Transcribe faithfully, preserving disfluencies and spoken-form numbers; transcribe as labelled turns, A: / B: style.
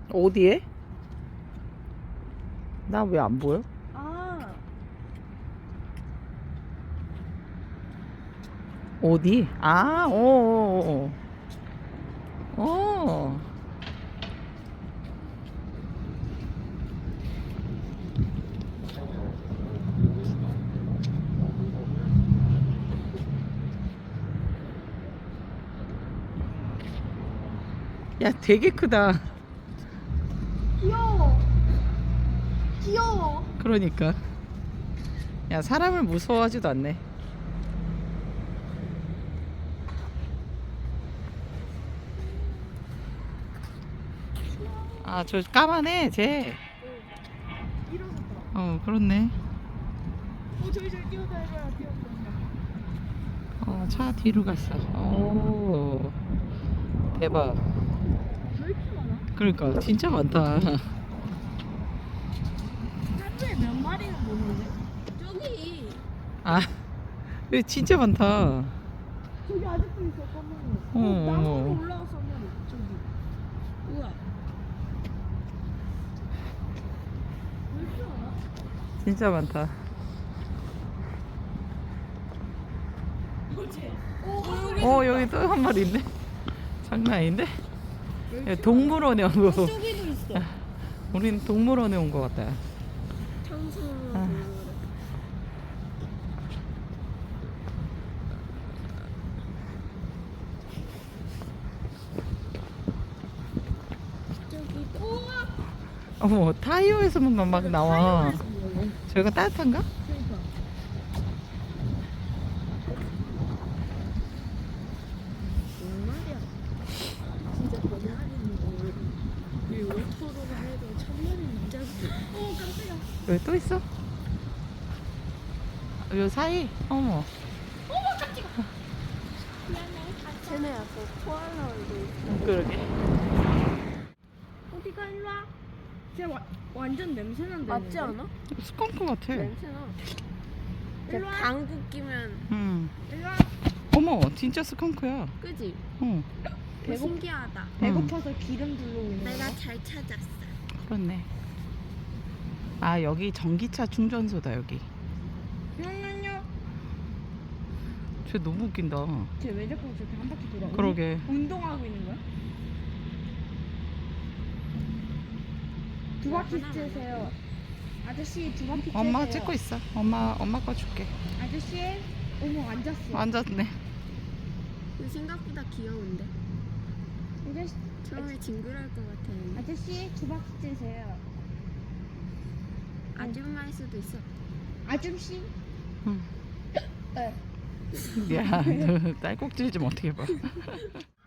A: 어디에? 나 왜 안 보여?
B: 아,
A: 어디? 아, 어, 어, 어. 어. 야, 되게 크다.
B: 귀여워. 귀여워.
A: 그러니까. 야, 사람을 무서워하지도 않네. 아, 저 까만해, 쟤.
B: 일어섰다.
A: 어, 그렇네.
B: 어, 저기 저기 뛰어다녀, 뛰어다녀.
A: 어, 차 뒤로 갔어. 오, 대박.
B: 왜 이렇게 많아?
A: 그러니까 진짜 많다.
B: 하루에 몇 마리는 보는데? 저기.
A: 아, 여기 진짜 많다.
B: 저기 아직도 있어, 검은 거.
A: 어,
B: 어, 나무로
A: 어.
B: 올라가서 한 마리. 저기. 우와. 왜 이렇게 많아?
A: 진짜 많다.
B: 뭐지? 어, 여기.
A: 어, 여기 또 한 마리 있네. 장난 아닌데? 야, 동물원에 온 거.
B: 저기도 있어.
A: 우린 동물원에 온 거 같다.
B: 청소년
A: 아.
B: 동물원. 저기. 우와.
A: 어머, 타이어에서만 막 나와.
B: 타이어에서 먹어.
A: 저희가 따뜻한가?
B: 그러니까. 뭔 말이야? 진짜 거짓말이는 거. 이 월토로만 해도 천 마리 남자지. 어 깜짝이야.
A: 여기 또 있어? 요 사이? 어머.
B: 어머 깜짝이야. 미안해. 쟤네 약간 코알라 얼굴.
A: 그러게.
B: 어디가 일로 와? 쟤 와, 완전 냄새 난다. 맞지 않아?
A: 스컹크 같아.
B: 냄새나. 일로 와. 방구 끼면
A: 응.
B: 일로 와.
A: 어머, 진짜 스컹크야.
B: 그지?
A: 어,
B: 배고 신기하다.
A: 배고파서
B: 기름 둘러오는 내가 잘 찾았어.
A: 그렇네. 아, 여기 전기차 충전소다, 여기.
B: 냥냥냥.
A: 쟤 너무 웃긴다.
B: 쟤 왜 자꾸 저렇게 한 바퀴 돌아?
A: 그러게.
B: 운동하고 있는 거야? 두 바퀴 째세요. 아저씨 두 바퀴 째세요.
A: 엄마 찍고 있어. 엄마, 엄마 거 줄게.
B: 아저씨, 어머 앉았어.
A: 앉았네.
C: 생각보다 귀여운데?
B: 아저씨,
C: 처음에 징그러울 것 같았는데
B: 아저씨 두 바퀴 째세요.
C: 아줌마일 수도 있어.
B: 아줌씨.
A: 응.
B: 네.
A: 야, 너 딸꾹질 좀 어떻게 봐.